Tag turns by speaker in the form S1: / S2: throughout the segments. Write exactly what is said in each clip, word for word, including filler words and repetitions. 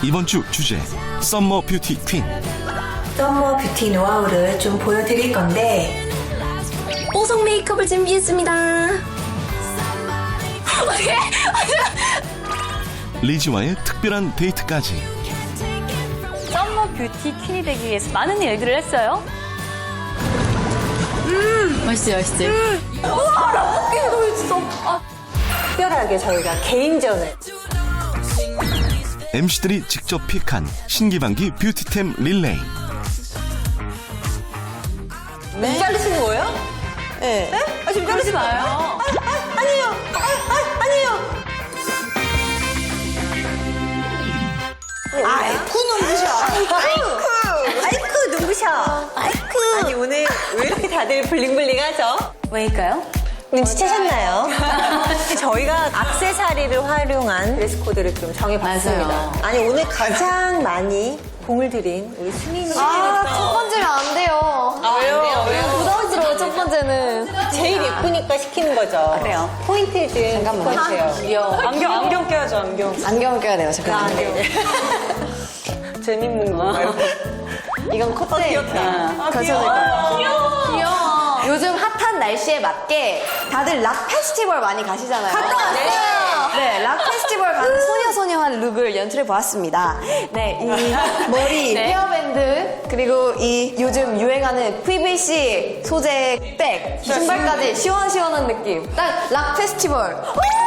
S1: 이번 주 주제 썸머 뷰티 퀸.
S2: 썸머 뷰티 노하우를 좀 보여드릴 건데
S3: 뽀송 메이크업을 준비했습니다.
S1: 리지와의 특별한 데이트까지.
S4: 썸머 뷰티 퀸이 되기 위해서 많은 일들을 했어요.
S3: 음, 맛있지, 맛있지. 음.
S2: 우와 라볶이 너무 있어. 아. 특별하게 저희가 개인전을
S1: 엠씨들이 직접 픽한 신기반기 뷰티템 릴레이.
S2: 네? 자르시는 거예요? 네. 네? 아, 지금 자르지 마요. 아, 아, 아니에요. 아, 아, 아니에요. 아이쿠 눈부셔. 아이쿠. 아이쿠 눈부셔. 아이쿠. 아니 오늘 왜 이렇게 다들 블링블링하죠?
S4: 왜일까요?
S2: 눈치채셨나요? 저희가 액세서리를 활용한 드레스 코드를 좀 정해봤습니다.
S4: 맞아요.
S2: 아니 오늘 가장 많이 공을 들인 우리 수민이.
S3: 아, 첫 번째면 안 돼요.
S2: 아, 왜요? 왜요?
S3: 부담스러워, 첫 번째는.
S2: 제일 예쁘니까 시키는 거죠.
S4: 그래요.
S2: 포인트 좀
S3: 잠깐만요.
S2: 귀여워.
S5: 안경, 안경 껴야죠, 안경.
S3: 안경 껴야 돼요, 잠깐만.
S2: 아, 네.
S5: 재밌는 거.
S3: 이건 컷대.
S2: 귀엽다.
S5: 아,
S3: 귀여워. 귀여워. 요즘 핫한 날씨에 맞게 다들 락 페스티벌 많이 가시잖아요. 갔다 왔어요. 네, 락 페스티벌 가는 소녀소녀한 룩을 연출해 보았습니다. 네, 이 머리,
S4: 네.
S3: 헤어밴드, 그리고 이 요즘 유행하는 피브이씨 소재 백, 신발까지 시원시원한 느낌. 딱 락 페스티벌.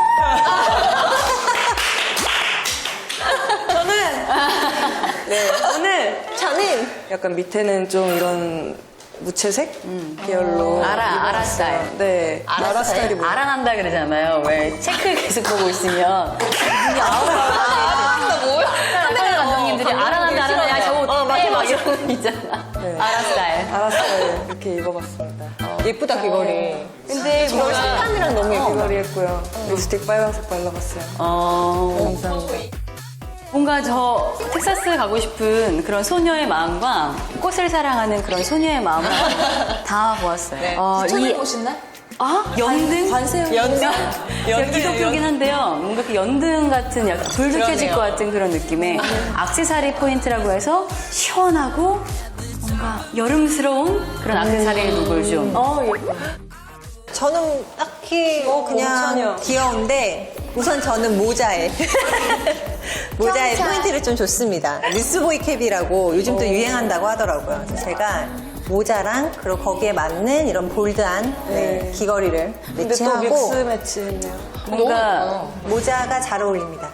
S5: 저는, 네, 오늘
S2: 저는
S5: 약간 밑에는 좀 이런 무채색 계열로.
S4: 아라,
S5: 입어봤어요.
S4: 아라 스타일.
S5: 네.
S2: 아라
S5: 아라
S2: 스타일?
S5: 스타일이 뭐예요?
S4: 알아난다 그러잖아요. 왜 체크 계속 보고 있으면 눈이 아우라. 뭐야? 카메라 감독님들이 알아난다, 알아난다. 야, 저거 어때? 막 이런 거 있잖아.
S5: 네.
S4: 아라 스타일.
S5: 아라 스타일 이렇게 입어봤습니다.
S2: 예쁘다 귀걸이.
S4: 근데
S2: 귀걸이 색감이랑 너무 예쁘다.
S5: 귀걸이 했고요. 립스틱 빨간색 발라봤어요.
S4: 어,
S5: 감사합니다.
S4: 뭔가 저 텍사스 가고 싶은 그런 소녀의 마음과 꽃을 사랑하는 그런 소녀의 마음을 다 보았어요.
S2: 네.
S4: 어,
S3: 추천해 보신 날?
S4: 아, 연등?
S3: 관세음.
S2: 연등.
S4: 제가 기독교긴 한데요. 뭔가 그 연등 같은 약간 불도 켜질
S2: 그러네요.
S4: 것 같은 그런 느낌의 액세서리 포인트라고 해서 시원하고 뭔가 여름스러운 그런 액세서리 룩을 좀.
S3: 어, 예뻐.
S2: 저는 딱히
S5: 어,
S2: 그냥
S5: 괜찮아요.
S2: 귀여운데 우선 저는 모자에 모자에
S3: 경찰.
S2: 포인트를 좀 줬습니다. 뉴스보이 캡이라고 요즘도 유행한다고 하더라고요. 그래서 제가 모자랑 그리고 거기에 맞는 이런 볼드한 네, 귀걸이를
S5: 근데 또
S2: 매치하고
S5: 믹스 매치 했네요.
S4: 뭔가
S2: 모자가 잘 어울립니다.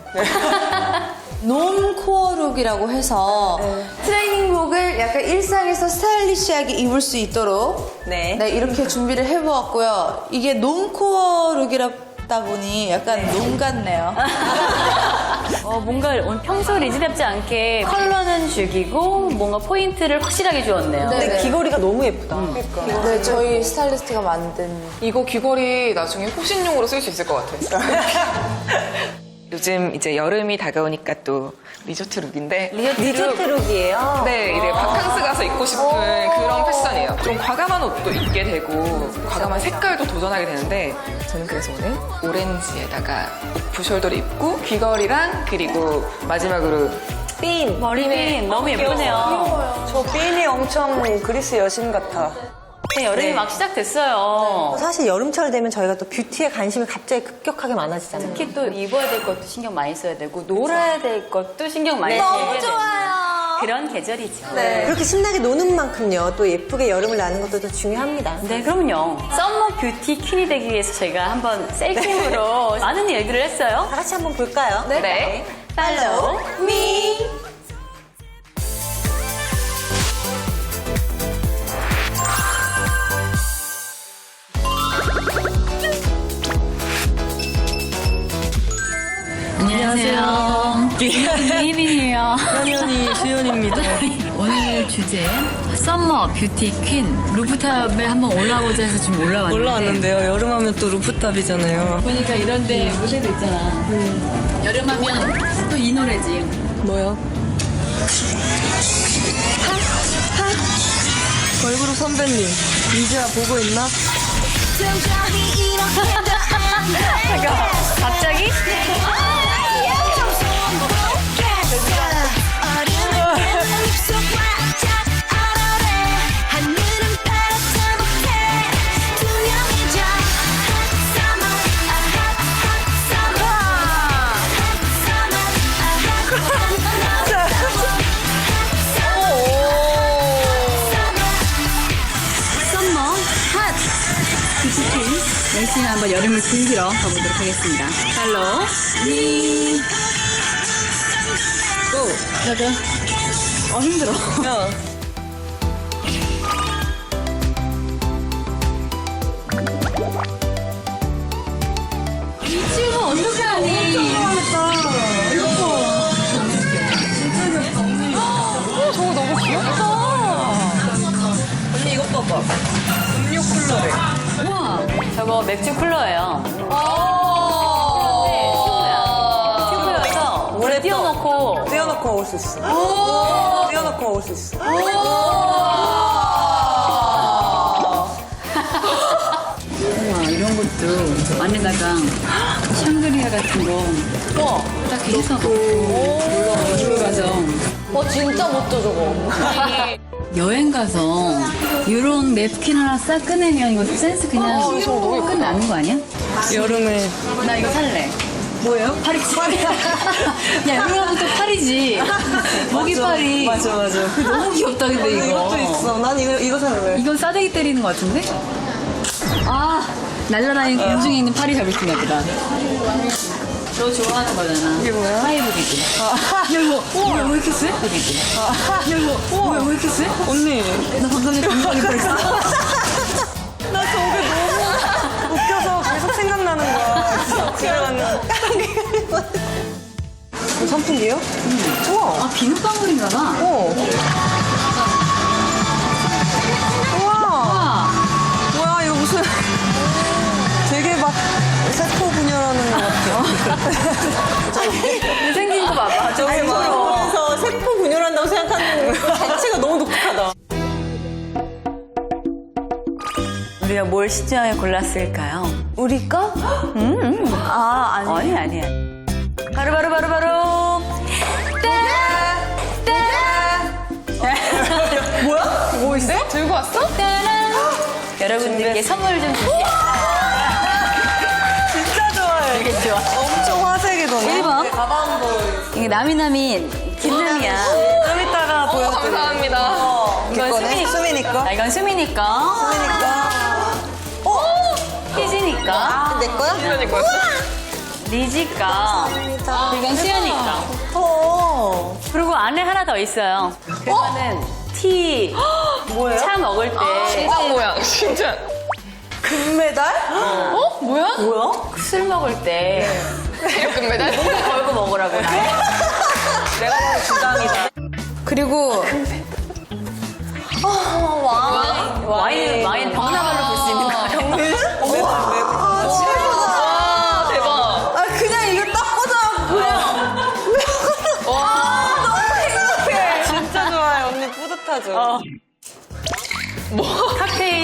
S6: 놈코어 룩이라고 해서 트레이닝복을 약간 일상에서 스타일리시하게 입을 수 있도록
S2: 네.
S6: 네, 이렇게 준비를 해보았고요. 이게 놈코어 룩이다 보니 약간 놈 같네요.
S4: 어, 뭔가 오늘 평소 리즈답지 않게 컬러는 죽이고 뭔가 포인트를 확실하게 주었네요.
S2: 근데
S6: 네.
S2: 귀걸이가 너무 예쁘다.
S6: 네, 저희 스타일리스트가 만든
S7: 이거 귀걸이 나중에 호신용으로 쓸 수 있을 것 같아요. 요즘 이제 여름이 다가오니까 또 리조트 룩인데
S2: 리조트 룩이에요.
S7: 네, 이제 바캉스 가서 입고 싶은 그런 패션이에요. 좀 과감한 옷도 입게 되고 과감한 색깔도 도전하게 되는데 저는 그래서 오늘 오렌지에다가 오프숄더를 입고 귀걸이랑 그리고 마지막으로
S2: 핀.
S4: 머리핀 너무 예쁘네요.
S5: 저 핀이 엄청 그리스 여신 같아.
S4: 네, 여름이
S2: 네.
S4: 막 시작됐어요.
S2: 사실 여름철 되면 저희가 또 뷰티에 관심이 갑자기 급격하게 많아지잖아요.
S4: 특히 또 입어야 될 것도 신경 많이 써야 되고 놀아야 될 것도 신경 많이 써야 되는 그런 계절이죠.
S2: 네. 그렇게 신나게 노는 만큼요, 또 예쁘게 여름을 나는 것도 더 중요합니다.
S4: 네, 그럼요. 썸머 뷰티 퀸이 되기 위해서 저희가 한번 셀킴으로 많은 일들을 했어요.
S2: 다 같이 한번 볼까요?
S4: 네. 팔로우 미. 안녕하세요. 이민이에요.
S5: 현현이 주연입니다.
S8: 오늘 주제 썸머 뷰티 퀸 루프탑에 한번 올라오자 해서 지금 올라왔는데
S5: 올라왔는데요. 여름하면 또 루프탑이잖아요.
S8: 보니까 이런데 무대도 있잖아. 여름하면 또 이 노래지.
S5: 뭐요? 걸그룹 선배님, 이제야 보고 있나?
S4: 잠깐만, 갑자기?
S8: 썸머 핫 뷰티퀸 열심히 한번 여름을 즐기러 가보도록 하겠습니다. 팔로우 미 고! 가자. 어 힘들어. 이 친구 어떻게 하니?
S7: 저거 너무 귀엽다.
S5: 언니 이것 봐봐. 음료 쿨러래.
S8: 우와.
S4: 저거 맥주 쿨러예요. 튜브여서 물에 띄워놓고
S5: 띄워놓고 먹을 수 있어. 띄워놓고 먹을 수 있어.
S8: 우와 이런 것도 안에다가 샹그리아 같은 거 딱 해서 넣고 들어가서
S3: 어, 진짜 못줘 저거.
S8: 여행 가서 이런 냅킨 하나 싹 꺼내면 이거 센스 그냥 끝나는 거 아니야?
S5: 여름에
S8: 나 이거 살래. 뭐예요? 파리지. 야, 여름부터 파리지. 모기파리.
S5: 맞아 맞아.
S8: 너무 귀엽다, 근데 이거.
S5: 이것도 있어. 난 이거 이거 살래.
S8: 이건 싸대기 때리는 것 같은데? 아, 날라다니는 공중에 있는 파리 잡을 수가 보다. 너 좋아하는 거잖아.
S5: 이게 뭐야?
S8: 파이브 비기. 야, 이거. 뭐야, 왜 이렇게 세? 비기. 야, 이거. 뭐야, 왜 이렇게 세?
S5: 언니.
S8: 나 방금 전에 감탄이 뻔했어.
S5: 나 저게 너무 웃겨서 계속 생각나는 거야. 집에 갔는데. 이거 선풍기요? 우와.
S8: 아, 비눗방울인가 봐.
S5: 어. 우와.
S8: 아,
S5: 뭐야 이거 무슨 되게 막 세포 분열하는 것 같아.
S3: 생긴 거 봐봐.
S5: 저기 막
S2: 그래서 세포 분열한다고 생각하는 것 자체가 너무 독특하다.
S4: 우리가 뭘 시중에 골랐을까요?
S3: 우리 거?
S4: 음,
S3: 아, 아니.
S4: 아니 아니야. 바로 바로 바로 바로.
S5: 뭐야? 뭐 있어?
S7: 들고 왔어?
S4: 여러분들께 선물 좀 주세요.
S5: 진짜 좋아해.
S4: 되게 좋아.
S5: 엄청 화색이던데.
S8: 일 번.
S4: 이게 나미나민 김남이야.
S5: 좀 이따가
S7: 어,
S5: 보여드릴게요.
S7: 감사합니다.
S4: 이건 수민이
S5: 수민이 거.
S4: 아, 이건 수민이 거.
S5: 수민이 거.
S4: 희진이 거.
S2: 내 거야?
S7: 그러니까.
S4: 리지 거. 이건 수연이 거.
S2: 어.
S4: 그리고 안에 하나 더 있어요. 그거는 티.
S5: 뭐예요?
S4: 차 먹을 때.
S7: 심장 모양, 진짜.
S5: 금메달?
S7: 어? 뭐야?
S5: 뭐야?
S4: 술 먹을 때.
S7: 체육 금메달?
S4: 목에 걸고 먹으라고. 나.
S5: 내가 봐도 주장이다.
S6: 그리고
S4: 와인, 와인 병나발로 볼 수 있는 거.
S7: 와, 대박.
S5: 아 그냥 이거 딱 꽂아 그냥.
S7: 와.
S5: 진짜 좋아요. 언니 뿌듯하죠?
S4: 칵테일.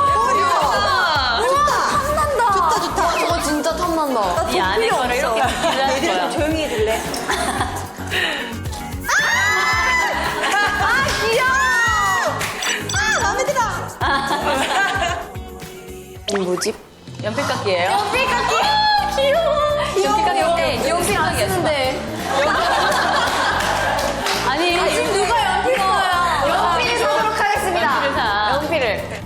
S2: 좋다, 좋다.
S3: 저거 진짜 탐난다.
S4: 이 안에 거를 이렇게 비비라는 거야.
S2: 조용히 해줄래?
S6: 이 뭐지?
S4: 연필깎이에요.
S3: 연필깎이. 귀여워.
S4: 연필깎이인데
S3: 연필 안
S4: 연필깎이였어.
S3: 쓰는데.
S4: 아니,
S3: 지금 누가 연필 써요? 연필 사도록 하겠습니다.
S4: 연필을 사.
S3: 연필을.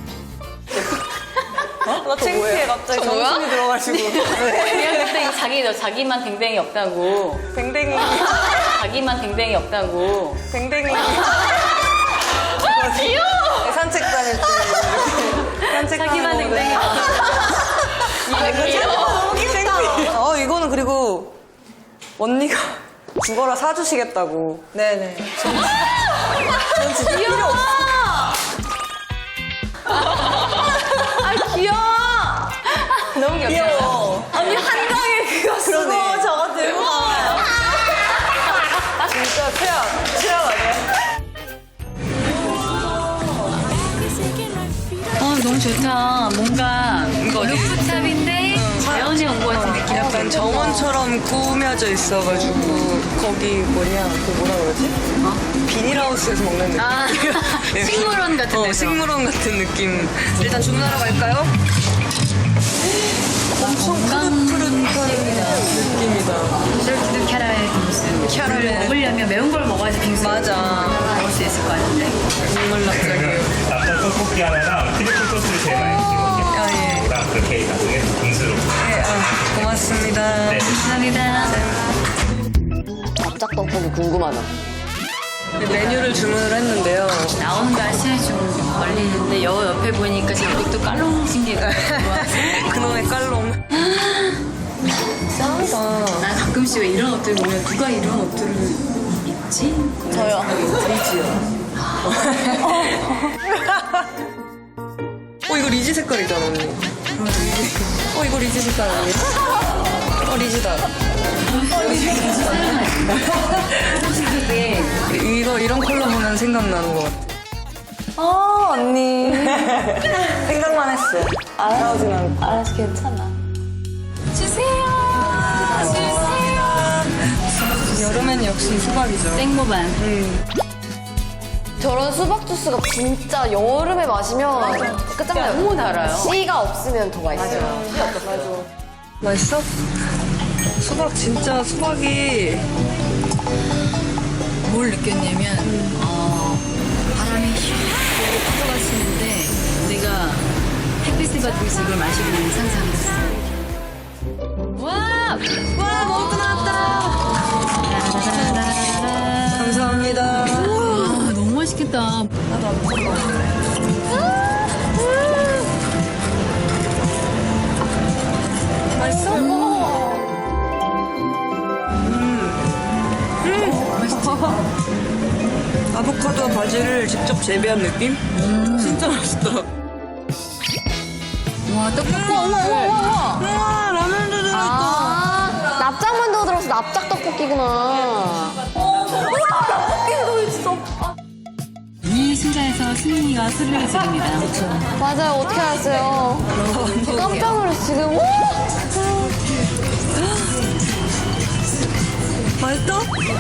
S5: 나 창피해 갑자기
S7: 저 뭐야?
S5: 정신이 들어가지고.
S4: 그냥 그때 자기, 너 자기만 댕댕이 없다고.
S5: 뱅뱅이.
S4: 자기만 댕댕이 없다고.
S5: 뱅뱅이. 귀여워. 산책 다닐 때. 이렇게 산책
S4: 자기만
S5: 다니는 거.
S4: 댕댕이 없다고.
S5: 이거 귀여워. 너무 창피해. 어 이거는 그리고 언니가 죽어라 사주시겠다고. 네네. 전, 전 진짜 필요 없어.
S3: 아, 귀여워.
S4: 너무 귀엽다.
S5: 귀여워.
S3: 언니 한강에 그거 쓰고
S5: 그러네.
S3: 저거 들고 가요.
S5: 진짜 최악. 최악 아니야?
S8: 어, 너무 좋다. 뭔가 루프탑인데 자연에 온 것 같은 느낌.
S5: 약간 정원처럼 꾸며져 있어가지고 거기 뭐냐 그 뭐라 그러지? 어? 비닐하우스에서 먹는 느낌.
S8: 아, 식물원 같은
S5: 어,
S8: 데서.
S5: 식물원 같은 느낌. 일단 주문하러 갈까요? 엄청 푸릇푸릇한 느낌이다.
S8: 쫄깃한 캐러멜 빙수. 캐러멜 먹으려면 매운 걸 먹어야지 빙수.
S5: 맞아.
S8: 먹을 수 있을 것 같은데.
S5: 눈물 납작이에요.
S9: 납작 떡볶이 하나랑 트리플 소스를 제일 많이 찍거든요.
S5: 아, 예.
S9: 그다음 그렇게 나중에 빙수로.
S5: 네, 아, 고맙습니다.
S9: 네.
S8: 감사합니다.
S3: 납작 떡볶이 궁금하다.
S5: 네, 메뉴를 주문을 했는데요.
S8: 나오는 날씨에 좀 걸리는데 여 옆에 보니까 지금 또 깔롱신 게 좋아서.
S5: 그놈의 깔롱. 짱이다.
S8: 나 가끔씩 왜 이런 옷들 보면 누가 이런 옷들을 입지?
S3: 저요.
S5: 어, 이거 리지 색깔이잖아, 언니. 어, 이거 리지 색깔 아니에요? 어, 리지다. 이거, 이런 컬러 보면 생각나는 것 같아. 아, 언니. 생각만 했어. 알아오진 않고.
S3: 알아서 괜찮아.
S5: 여름엔 역시 수박이죠.
S8: 생모반.
S3: 저런 수박 주스가 진짜 여름에 마시면 끝장나요. 너무 달아요. 씨가 없으면 더 맛있어요.
S5: 맛있어? 수박 진짜 수박이
S8: 뭘 느꼈냐면 어, 바람이 휘 불어가시는데 내가 햇빛을 받고 있어 이걸 마시고 있는 상상했어. 와! 와 먹고 나왔다!
S5: 감사합니다.
S8: 와 너무 맛있겠다.
S5: 맛있어? 아보카도와 바지를 직접 재배한 느낌? 진짜 맛있다.
S8: 와 떡볶이.
S5: 우와, 라면도 들어있다.
S3: 아, 납작만두가 들어서 납작 떡볶이구나.
S8: 이 순간에서 승민이가 소리를 지릅니다.
S3: 맞아요. 어떻게 알았어요? 저 깜짝 놀랐어 지금.
S5: 맛있어?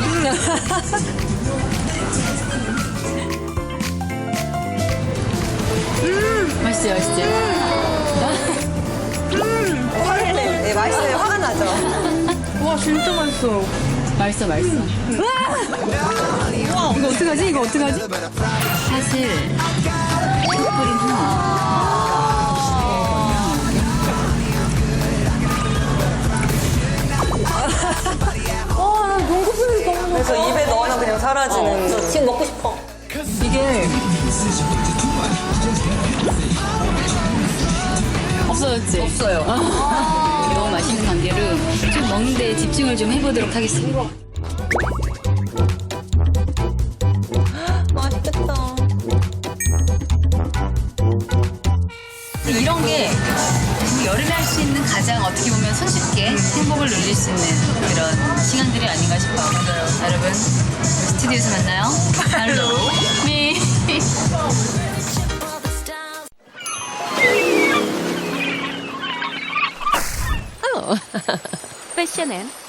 S8: 맛있지 맛있지.
S2: 네, 맛있어요. 화가 나죠?
S5: 와, 진짜 맛있어.
S8: 맛있어 맛있어. 이거 어떡하지? 이거 어떡하지? 사실 뿌린 후
S5: 그래서 입에 넣으면 그냥 사라지는.
S2: 지금 먹고 싶어.
S5: 이게
S8: 없어졌지?
S5: 없어요.
S8: 너무 맛있는 관계로 좀 먹는 데 집중을 좀 해보도록 하겠습니다.
S2: 맛있겠다.
S8: 이런 게 여름에 할 수 있는 가장 어떻게 보면 손쉽게 행복을 누릴 수 있는 그런 시간들이 아닌가 싶어요. 여러분 스튜디오에서 만나요. 할로 미.
S10: 패션엔